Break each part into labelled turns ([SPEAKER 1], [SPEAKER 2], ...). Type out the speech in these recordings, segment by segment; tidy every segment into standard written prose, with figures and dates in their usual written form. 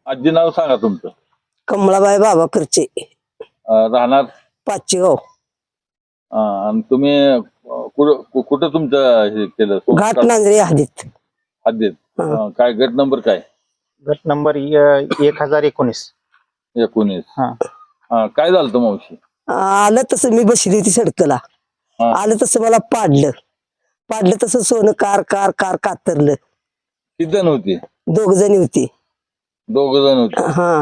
[SPEAKER 1] आजी नाव सांगा तुमचं.
[SPEAKER 2] कमळाबाई बाबा करचे,
[SPEAKER 1] राहणार
[SPEAKER 2] पाचगाव.
[SPEAKER 1] आणि तुम्ही कुठं तुमचं हे केलं
[SPEAKER 2] घाट नांगरे हद्दीत.
[SPEAKER 1] हद्दीत? काय गट नंबर काय?
[SPEAKER 3] गट नंबर 1019.
[SPEAKER 1] 19.
[SPEAKER 3] हा.
[SPEAKER 1] काय झालं होतं मावशी?
[SPEAKER 2] आलं तसं मी बसली होती सडकला. आलं तसं मला पाडलं तसं सोनं कार कार कार कातरलं.
[SPEAKER 1] किती जण होती?
[SPEAKER 2] 2 जणी होती.
[SPEAKER 1] 2 जण होते.
[SPEAKER 2] हा,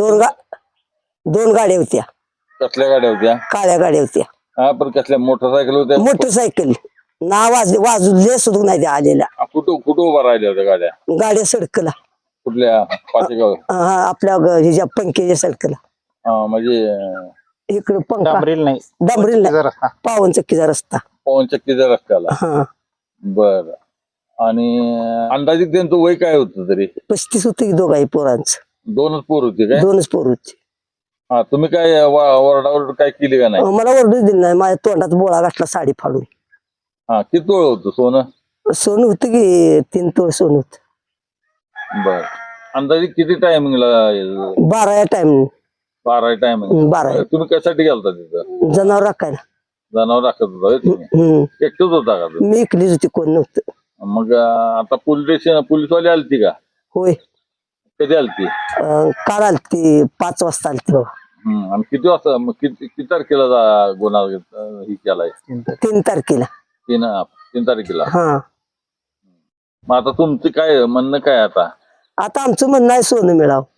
[SPEAKER 2] 2 गाड्या होत्या.
[SPEAKER 1] कसल्या गाड्या होत्या?
[SPEAKER 2] काळ्या गाड्या होत्या.
[SPEAKER 1] पण कसल्या मोटरसायकल होत्या?
[SPEAKER 2] मोटरसायकल ना वाजले सुद्धा नाही त्या आलेल्या.
[SPEAKER 1] कुठं उभा राहिल्या होत्या गाड्या?
[SPEAKER 2] गाड्या सडकला.
[SPEAKER 1] कुठल्या? पाचेगाव?
[SPEAKER 2] आपल्या ह्याच्या पंख्याच्या सडकला.
[SPEAKER 1] म्हणजे
[SPEAKER 2] इकडं पंखा
[SPEAKER 3] डांबरील नाही.
[SPEAKER 2] डांबरील नाही, पावन चक्कीचा रस्ता.
[SPEAKER 1] पवन चक्कीच्या रस्त्याला. बर. आणि अंदाजित त्यांचं वय काय होतं तरी?
[SPEAKER 2] 35 होतं की दोघाही पोरांचं.
[SPEAKER 1] 2च पोर होते काय?
[SPEAKER 2] 2च पोर होते.
[SPEAKER 1] तुम्ही काय ओरडाओरड काय केली का नाही?
[SPEAKER 2] मला ओरडूच दिली नाही. माझ्या तोंडात बोळा घातला साडी फाडून.
[SPEAKER 1] किती तोळ होतं सोनं?
[SPEAKER 2] सोनं होतं की 3 तोळ सोनं होत.
[SPEAKER 1] बर. अंदाजे किती टायमिंगला?
[SPEAKER 2] 12 टाइम.
[SPEAKER 1] 12 टायमिंग.
[SPEAKER 2] 12.
[SPEAKER 1] तुम्ही कशासाठी गेलता तिथं?
[SPEAKER 2] जनावर राखायला.
[SPEAKER 1] जनावर राखत होता होय तुम्ही? एकटंच होता का तुम्ही?
[SPEAKER 2] मी इकलीच होती, कोण नव्हतं.
[SPEAKER 1] मग आता पोलीसवाले आलती का?
[SPEAKER 2] होय.
[SPEAKER 1] कधी आलती?
[SPEAKER 2] काल आलती, 5 वाजता आलती बाबा.
[SPEAKER 1] आणि किती वाजता किती तारखेला गुन्हा ही केलाय?
[SPEAKER 2] 3 तारखेला.
[SPEAKER 1] 3 तारखेला.
[SPEAKER 2] हा.
[SPEAKER 1] मग आता तुमचं काय म्हणणं काय आता?
[SPEAKER 2] आता आमचं म्हणणं आहे सोनं मिळावं.